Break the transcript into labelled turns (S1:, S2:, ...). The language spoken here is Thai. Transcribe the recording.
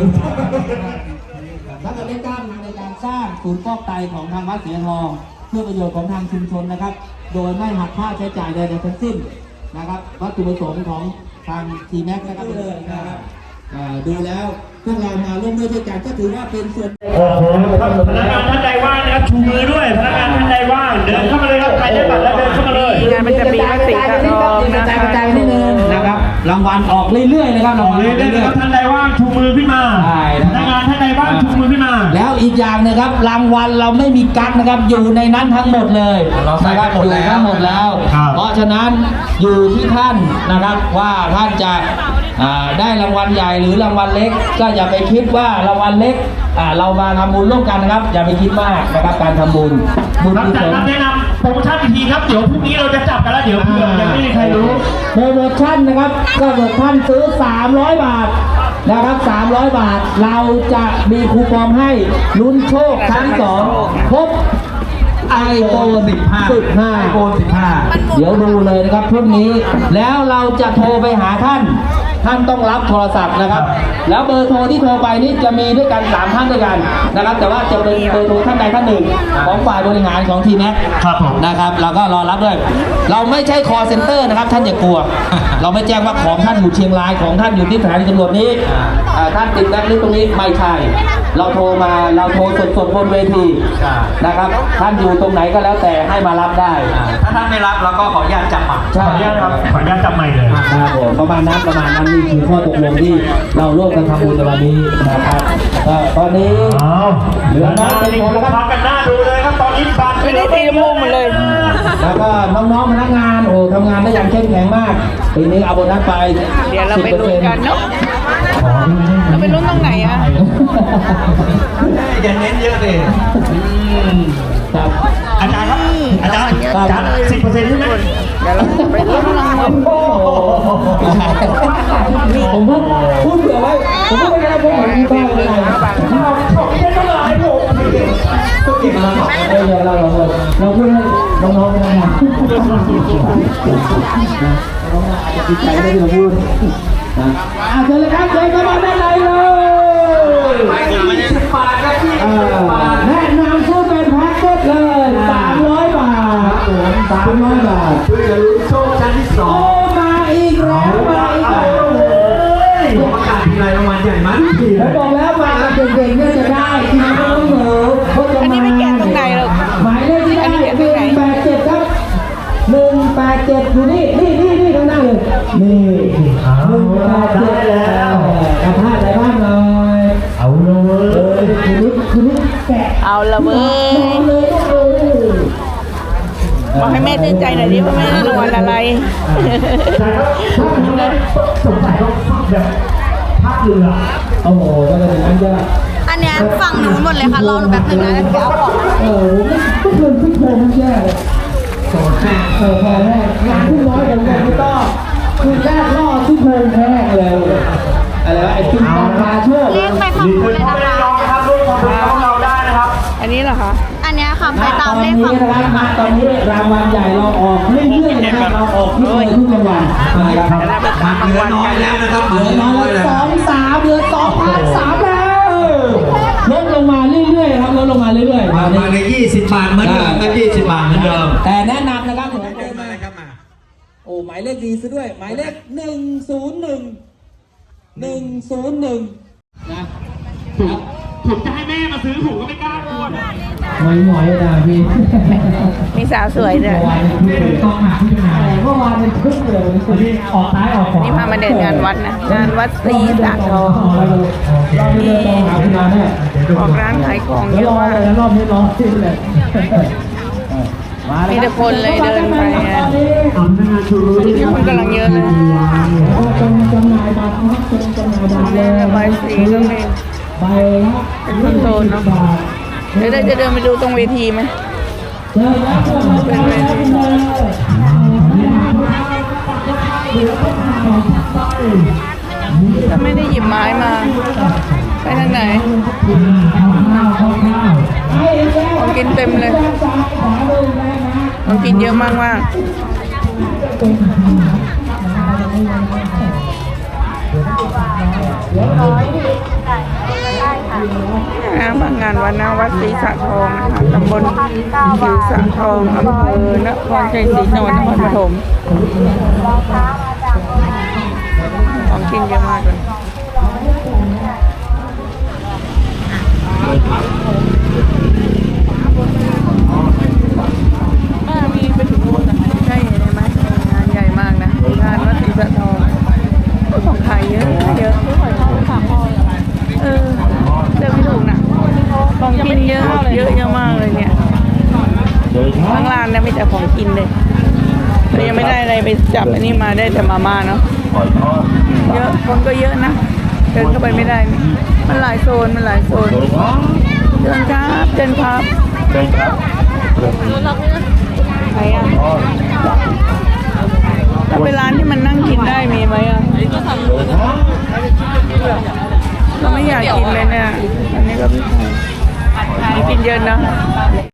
S1: แล้วก็ได้จ้างมาในการสร้างศูนย์ฟอกไตของทางวัดเสียทองเพื่อประโยชน์ของทางชุมชนนะครับ โดยไม่หักค่าใช้จ่ายใดๆทั้งสิ้นนะครับวัตถุประสงค์ของทางทีแม็กนะครับเลยนะครับดูแล้วพวกเรามาร่วมด้วยช่วยกันก็ถือว่าเป็นส่วน
S2: โอ้โหพนักงานท่านใดว่างนะครับชูมือด้วยพนักงานท่านใดว่างเดินเข้ามาเลยครับใครได้บัตรแล้วเดินเข้ามาเลย
S3: งานมันจะมีมติกระทองนะ
S1: กระจายนิดนึงนะครับรางวัลออกเรื่อยๆนะครับรางวัล
S2: เรื่อยๆท่านใดว่างชูมือขึ้นมาพนักงานท่านใดว่างชูมือขึ้นมา
S1: แล้วอีกอย่างนะครับรางวัลเราไม่มีกั๊กนะครับอยู่ในนั้นทั้งหมดเลยนะครับอยู่ทั้งหมดแล้วเพราะฉะนั้นอยู่ที่ท่านนะครับว่าท่านจะได้รางวัลใหญ่หรือรางวัลเล็กก็อย่าไปคิดว่ารางวัลเล็กเรามาทำบุญร่วมกันนะครับอย่าไปคิดมากนะครับการทำบุญ
S2: รับจากการแนะนำโปรโมชั่นอีกทีครับเดี๋ยวพรุ่งนี้เราจะจับกันแล้วเดี๋ยวเผื่อยังไม่มีใครรู้
S1: โปรโมชั่นนะครับก็เกิดท่านซื้อ300 บาทนะครับ300 บาทเราจะมีคูปองให้ลุ้นโชคทั้ง2ครบiPhone 15เดี๋ยวดูเลยนะครับพรุ่งนี้แล้วเราจะโทรไปหาท่านต้องรับโทรศัพท์นะครับแล้วเบอร์โทรที่โทรไปนี้จะมีด้วยกัน3ท่านด้วยกันนะครับแต่ว่าจะเป็นเบอร์โทรท่านใดท่านหนึ่งของฝ่ายบริหารของทีแม็กนะครับเราก็รอรับด้วยเราไม่ใช่ call center นะครับท่านอย่ากลัวเราไม่แจ้งว่าของท่านอยู่เชียงรายของท่านอยู่ที่สถานีตำรวจนี้ท่านติดแบ็คลิสต์ตรงนี้ไม่ใช่เราโทรสดบนเวทีนะครับท่านอยู่ตรงไหนก็แล้วแต่ให้มารับได้
S4: ถ้าท่านไม่รับเราก็ขออนุญาตจับใหม่
S2: ขออนุญาตจับใหม่เลย
S1: ประมาณนั้นนี่คือข้อตกลงที่เราร่วมกันทำบุญในวันนี้นะครับตอนนี้เหลือน้อยเป็นคนแล้วครับ
S2: กันหน้าดูเลยครับตอนนี้บัตร
S3: ไม่ได้ตีมุมมาเลย
S1: แล้วก็น้องๆพนักงานทำงานได้อย่างเข้มแข็งมากปีนี้เอาโบนัสไป
S3: เดี๋ยวเราไปลุ้นกันเนาะเราไปลุ้นตรงไหนอ่ะ
S4: อย่าเน้นเยอะเลย
S1: ครับ
S2: อาจารย์ครับอาจารย์10%ใช่ไหม
S3: เดี๋ยวเราไปลุ้นรางวัล
S1: ผมพูดเผื่อไว้ผมพูดไปแล้วผมไม่มีบ้างเลย
S2: ผมไม่ต้องหลายผม
S1: ก็เก็บมาเราพูดให้น้องๆนะน้องอาจจะติดใจได้ที่เราพูดเชิญเลยครับเชิญเข้ามาด้านในเลยแนะนำซื้อเป็นแพ็คเก็ตเลย300 บาท300 บาท
S4: เพื่อจะลุ้นโชคชั้นที่2
S1: มาอีกแล้ว
S4: ประกาศทีไรรางวัลใหญ่มาก
S1: ผมบอกแล้วมาเก่งๆเนี่ยจะได้ทีนี้ไม่ต้องเหนื่อย
S3: อันนี้ไม่แกะตรงไหนหรอก
S1: หมายเลขที่ได้187ครับ187อยู่นี่ข้างหน้าเลยนี่187แล้วกระทะใจบ้างหน่อย
S2: เอาเลย
S1: คุณนิดแกะ
S3: เอาละเว้ยบอกให้แม่ชื่นใจหน่อยดิว่าแม่ได้รางวัลอะไร
S2: สงสัยต้องแบบภาคเรือ
S1: โอ้โหก็เลยนั้นจะ
S5: อันเนี้ยฝั่งนู้นหมดเลยค่ะรอหนูแบบนึงนะเดี๋ยวเอาของ
S1: ไม่เคยพี่โทรมันแย่เลยพอแรกงานที่น้อยอย่างนี้ไม่ต้องคือแรกล่อที่โทรแรกเลยอะไรวะไอ้ตุ้มตาโชค
S5: เลขไปฝั่งนู้นเลยนะคะ
S2: เราได้นะครับ
S3: อันนี้เหรอคะ
S5: อันเนี้ยค่ะไปตามเลขฝั่งนู้น
S1: นะครับตอนนี้รางวัลใหญ่เราออกเรื่อยๆนะครับเราออกทุกรางวัล
S4: นะครับเหลือน้อยแล้วนะครับเหลือน้อยแล้ว
S1: 2,300เหลือ2,300แล้วลดลงมาเรื่อยๆครับลดลงมาเรื่อยๆ
S4: มาใน20 บาทเหมือนเดิม20 บาทเหมือนเดิม
S1: แต่แนะนำนะครับโอ้หมายเลขดีซะด้วยหมายเลข101นะ
S2: ผมจะให้แม่มาซื้อผมก็ไม่กล้าพูด
S1: หมอยนะพี่
S3: มีสาวสวยด้วย
S1: ต้องหาที่ไหนเมื่อวานเป็นคึกเลยนี่ออกซ้ายออกขวา
S3: นี่พามาเดินงานวัดนะงานวัดศรีสะทอง
S1: นี่
S3: ออกร้านขายของเยอะมาก
S1: รอบนี้รอที่เลย
S3: มีแต่คนเลยเดินไปคนกำลังเยอะเลย
S1: จำหน่ายบัตรนะจำหน่ายบัตรเลย
S3: ใบสีก็มี
S1: ใบ
S3: เป็นคอนโทรลเนาะเดี๋ยวจะเดินไปดูตรงเวทีไหมเป็นเวทีถ้าไม่ได้หยิบไม้มาไปทางไหนของกินเต็มเลยของกินเยอะมากๆวัดศรีสะทองนะคะตำบลศรีสะทองอำเภอนครชัยศรีจังหวัดนครปฐมของกินเยอะมากเลยมีไปถึงนู่นนะใช่ไหมงานใหญ่มากนะงานวัดศรีสะทองของขายเยอะเยอะเดินไม่ถูกนะของกินเยอะเยอะมากเลยเนี่ยข้างล่างเนี่ยมีแต่ของกินเลยแต่ยังไม่ได้อะไรไปจับอันนี้มาได้แต่มาม่าเนาะเยอะคนก็เยอะนะเดินเข้าไปไม่ได้มันหลายโซนเดินครับไหนอ่ะถ้าเป็นร้านที่มันนั่งกินได้มีไหมอ่ะเราไม่อยากกินเลยเนี่ยอันนี้ก็ไม่กินเยอะนะ